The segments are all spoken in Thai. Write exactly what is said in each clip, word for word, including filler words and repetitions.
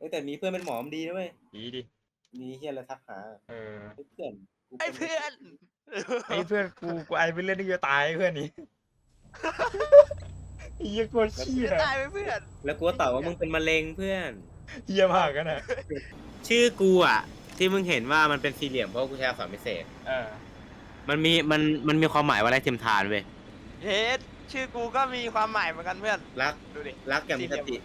แต่มีเพื่อนเป็นหมอมดีนะเว้ยดีดิมีเฮียอะไรทักหาเออเพื่อนไอ้เพื่อนไอ้เพื่อนกูกูไอเป็นเล่นที่จะตายเพื่อนนี่เฮียโคตรขี้จะนะตายไปเพื่อนแล้วกูก็ตอบว่ามึงเป็นมะเร็งเพื่อนเฮียมากกันนะชื่อกูอ่ะที่มึงเห็นว่ามันเป็นสี่เหลี่ยมเพราะกูใช้อักษรพิเศษเออมันมีมันมันมีความหมายว่าอะไรเทียมทานเว้ยเฮ็ดชื่อกูก็มีความหมายเหมือนกันเพื่อนรักดูดิรักอย่างมีสติ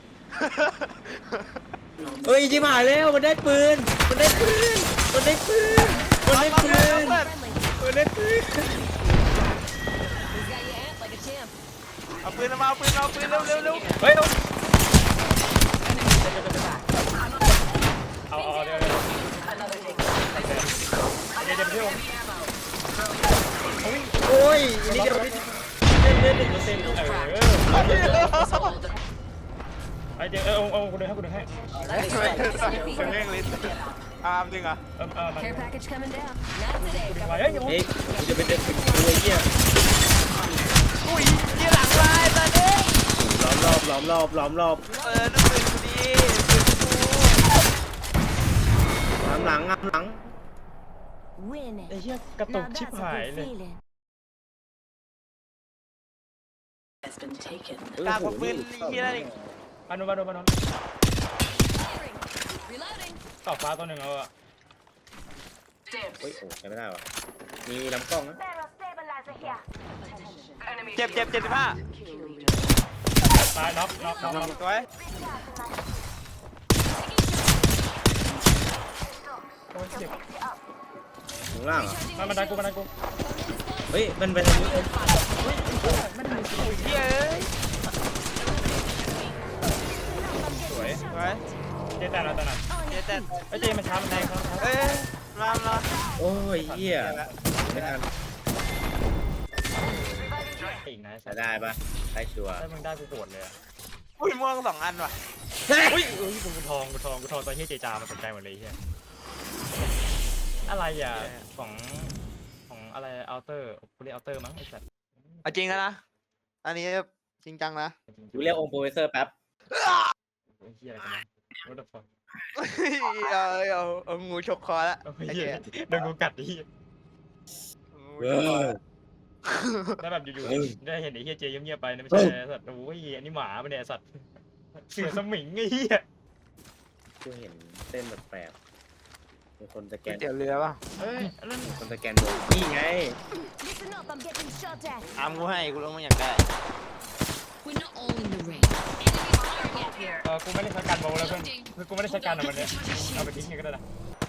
เอ้ยจิ๋มหายแล้วมันได้ปืนมันได้ปืนมันได้ปืนมันได้ปืนมันได้ปืนเอาปืนมาเอาปืนเอาปืนเร็วเร็วเร็วเฮ้ยเอาเอาเอาเดี๋ยวเดี๋ยวเดี๋ยวเดี๋ยวเดี๋ยวโอ้ยอันนี้เดี๋ยวเล่นเล่นหนึ่งเปอร์เซ็นต์เออไอเดี๋ยวเออเอาเอากูเดินให้กูเดินให้เร่งลิ้นอามจริงเหรอเออเออมัน Care package coming down. Not today. ไปเฮ้ยยังเฮ้ยกูจะเป็นเด็กเป็นตัวเหี้ยอุ้ยยี่หลังลายตอนนี้ล้อมรอบล้อมรอบล้อมรอบเออนั่นปืนกูดีปืนกูล้อมหลังล้อมหลัง Winning. ไอ้เหี้ยกระตุก Now ชิบ that's a หาย good เลย feeling. กากกว่าปืนยี่นั่นอีกมาโนมาโนมาโน Reloading. ต่อฟ้าตัวหนึ่งเอาอะเฮ้ยโอ้ใช้ไม่ได้วะมีลำกล้องนะเจ็บเจ็บเจ็ดสิบห้าตายน็อกน็อกน็อกน็อกสวยโอ้ยเจ็บข้างล่างเหรอมาบันไดกูบันไดกูเฮ้ยมันไปทางนี้เอ้ยอุ้ยเย้ยสวยสวยเจ๊แต่ละแต่ละเจ๊แต่ไอ้เจ๊มันช้ามันแรงครับเอ้ยมามาโอ้ยเหี้ยไม่ทันอีกนะจะได้ปะได้ชัวร์ถ้ามึงได้กูโกรธเลยอะอุ้ยม่วงสองอันว่ะอุ้ยอุ้ยกูทองกูทองกูทองตอนเฮียเจจามันสนใจหมดเลยเฮียอะไรอ่ะของของอะไรอัลเตอร์กูเรียกอัลเตอร์มั้งไอ้สัตว์เอาจริงนะอันนี้จริงจังนะกูเรียกองค์โปรเฟสเซอร์แป๊บไอ้เฮียอะไรกันนะ what the fuck เอาเอาเอางูฉกคอละโอ้ยไอ้เฮียเจ๊โดนกูกัดดิเออแล้วแบบอยู่เฮ้ยๆได้เห็นไอ้เฮียเจเงียบๆไปนะไม่ใช่สัตว์โอ้ยอันนี้หมาปะเนี่ยสัตว์เสือสมิงไอ้เฮียกูเห็นเส้นแปลกๆมีคนสแกนเตี๋ยวเรือป่ะเฮ้ยอันนั้นมีคนสแกนโดนนี่ไง Listen up, I'm getting shot at. อามกูให้กูลงมาอยากได้ We're not all in the ring. Enemy target here. เออกูไม่ได้ใช้การโบว์แล้วเพื่อนคือกูไม่ได้ใช้การอะวันเนี้ยเอาไปทิ้งกันก็ได้นะ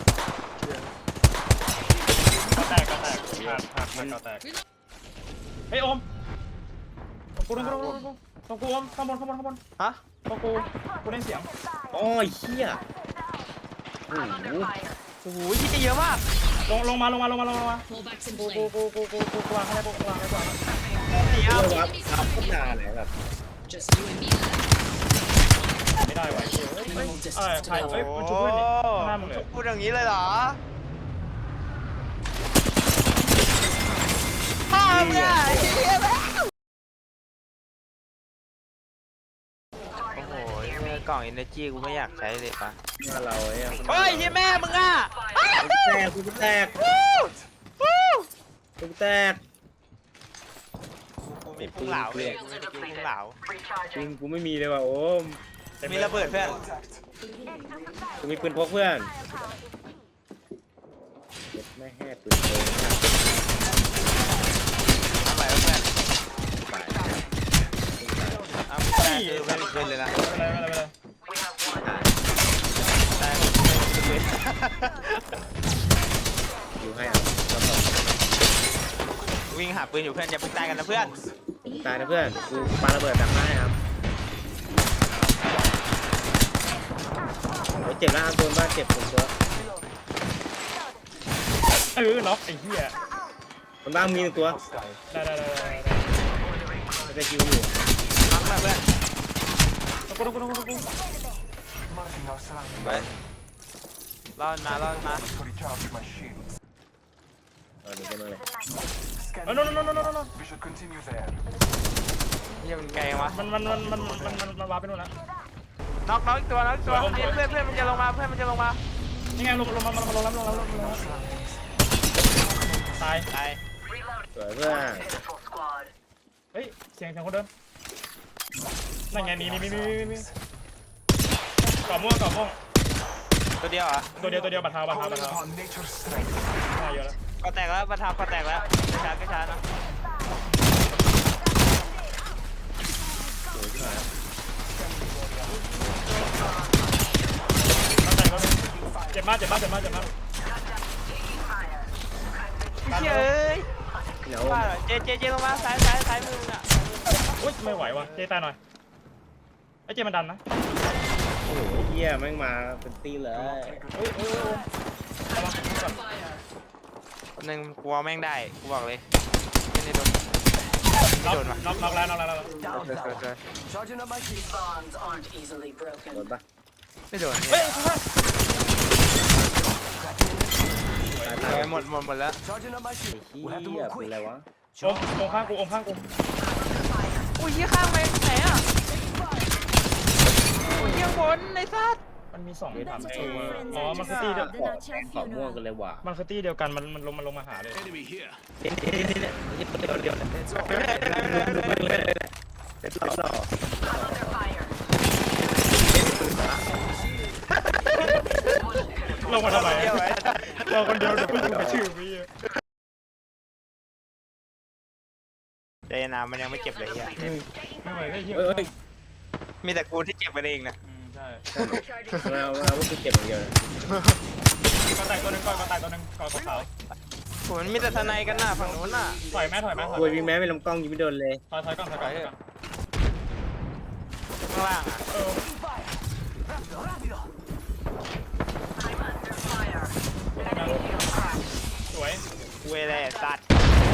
ก็แตกก็แตกขาดขาดมันก็แตกเฮ้ยโอมตรงกูตรงกูตรงกูตรงกูโอมข้างบนข้างบนข้างบนฮะตรงกูกูได้เสียงโอ้ยเหี้ยโอ้โหโอ้โหที่จะเยอะมากลงลงมาลงมาลงมาลงมา Pullbacks in กู play. กูกูกูกูกูกูวางให้ได้กูวางให้ก่อนเดี๋ยวเรียกว่าอัพโคตรนานเลยแบบ Just you and me. ไม่ได้ไหวเฮ้ยเฮ้ยเอ้ยใครเฮ้ยมันชุบเพื่อนนี่ข้างหน้ามึงเลยพูดอย่างนี้เลยเหรอพ่อมึงอ่ะเฮียแล้วโอ้โหเนี่ยกล่อง energy กูไม่อยากใช้เลยปะว่าเราเนี่ยเฮ้ยเฮียแม่มึงอ่ะแตกกูแตกกูแตกกูมีพุงเหลาเลยกูมีสกิลพุงเหลาจริงกูไม่มีเลยว่ะโอมมีระเบิดเพื่อนกูมีปืนพกเพื่อนเจ็บไม่แห่ปืนโกงทำไมวะเพื่อนตายอ้าวได้คือไม่มีปืนเลยนะไม่เป็นไรไม่เป็นไรได้ไม่มีปืนอยู่ให้เอาแล้วก็วิ่งหาปืนอยู่เพื่อนอย่าเพิ่งตายกันนะเพื่อนตายนะเพื่อนกูปาระเบิดดักหน้าให้ครับโอ้ยเจ็บแล้วครับโดนบ้านเจ็บผมตัวเออน็อกไอ้เหี้ยคนบ้านมีหนึ่งตัวได้ได้ได้ได้มันจะคิวอยู่มักนะเพื่อนกูกูกูกูกูไปรอดมารอดมาเออหนีกันมาเลยเออโน่นโน่นโน่นโน่นโน่นเฮียมันไกลวะมันมันมันมันมันมันมันวาร์ปไปนู่นแล้วน็อกน็อกอีกตัวน็อกอีกตัวเพื่อนเพื่อนเพื่อนมันจะลงมาเพื่อนมันจะลงมานี่ไงลงลงมาลงมาลงแล้วลงแล้วลงแล้วตายตายสวยเพื่อนเฮ้ยเสียงเสียงคนเดินนั่นไงนี่นี่นี่นี่นี่ก่อม่วงก่อม่วงตัวเดียวเหรอตัวเดียวตัวเดียวบัตรเท้าบัตรเท้าบัตรเท้ามาเยอะแล้วก็แตกแล้วประทับก็แตกแล้วกระชากกระชานะสวยที่ไหนตั้งใจก็เจ็บมากเจ็บมากเจ็บมากเจ็บมากเฮ้ยเดี๋ยวว่าเจเจเจลงมาซ้ายซ้ายซ้ายมือมึงอ่ะอุ้ยไม่ไหวว่ะเจตายหน่อยไอ้เจมันดันนะโอ้โหเหี้ยแม่งมาเป็นตีเลยเฮ้ยเฮ้ยระวังก่อนหนึ่งกลัวแม่งได้กูบอกเลยไม่ได้โดนน็อกโดนว่ะน็อกน็อกแล้วน็อกแล้วเกิดเกิดเกิด Bonds aren't easily broken. โดนปะไม่โดนเฮ้ยตายตาตายยหมดหมดหมดแล้วไอ้เหี้ยเป็นไรวะอมอมข้างกูอมข้างกูอุ้ยยี่ข้างไปไหนอ่ะอุ้ยยี่บนไอ้สัสมันมีสองถามเอออ๋อมันคือตีเดียวขอแทงขอม่วงกันเลยว่ะมันคือตีเดียวกันมันมันลงมันลงมาหาเลย Enemy here. เดี๋ยวเดี๋ยวเดี๋ยวเดี๋ยวเดี๋ยวเดี๋ยวเดี๋ยวหล่อลงมาทำไมเราคนเดียวเดี๋ยวไม่ถูกชื่อพี่เจนามันยังไม่เจ็บเลยอ่ะไม่ไหวได้เยอะเอ้ยมีแต่กูที่เจ็บไปเองนะใช่เราเราว่าคือเก็บอย่างเดียวก็แตกตัวนึงก่อนก็แตกตัวนึงก่อนขาวโหมันมีแต่ทนายกันหน้าฝั่งนู้นน่ะถอยแม่ถอยแม่ถอยคุยวิ่งแม้ไม่ลำกล้องยิงไม่โดนเลยถอยถอยก่อนถอยก่อนข้างล่างอ่ะเออสวยเวเลสัตว์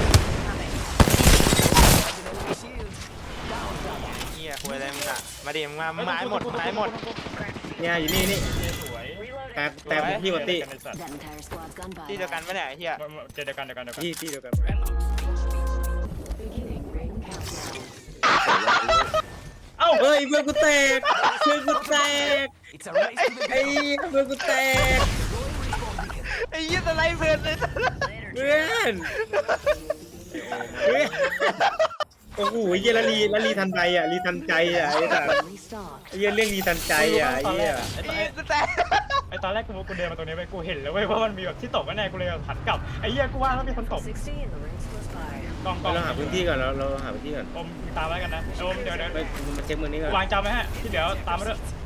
เฮียเวเลมึงอ่ะมาดิมึงมามึงมาให้หมดมาให้หมดเนี่ยอยู่นี่นี่สวยแตกแตกพี่วัตตี้ That entire squad's gone by. ที่เดียวกันปะเนี่ยไอ้เฮียเดียวกันเดียวกันเดียวกันที่ที่เดียวกัน Beginning ring countdown. เอ้าเฮ้ยเพื่อนกูแตกเพื่อนกูแตก It's a race to the ไอ้เพื่อนกูแตกไอ้เฮียสไลด์เพื่อนเลยเพื่อนเพื่อนโอ้โหเยี่ยละลีละลีทันใจอ่ะลีทันใจอ่ะไอ้สัส Restock. ไอ้เยี่ยเรื่องลีทันใจอ่ะไอ้เยี่ยไอ้เฮียแต่ไอตอนแรกกูกูเดินมาตรงนี้ไปกูเห็นแล้วเว้ยว่ามันมีแบบที่ตกแน่กูเลยหันกลับไอ้เหี้ยกูว่าแล้วมีคนตก sixty and the ring's close by. กองกองเราหาพื้นที่ก่อนเราเราหาพื้นที่ก่อนอมตามไว้กันนะอมเดี๋ยวเดี๋ยวไปมาเช็คมือนี้ก่อนวางจำไว้ฮะที่เดี๋ยวตามมาด้วย Distance.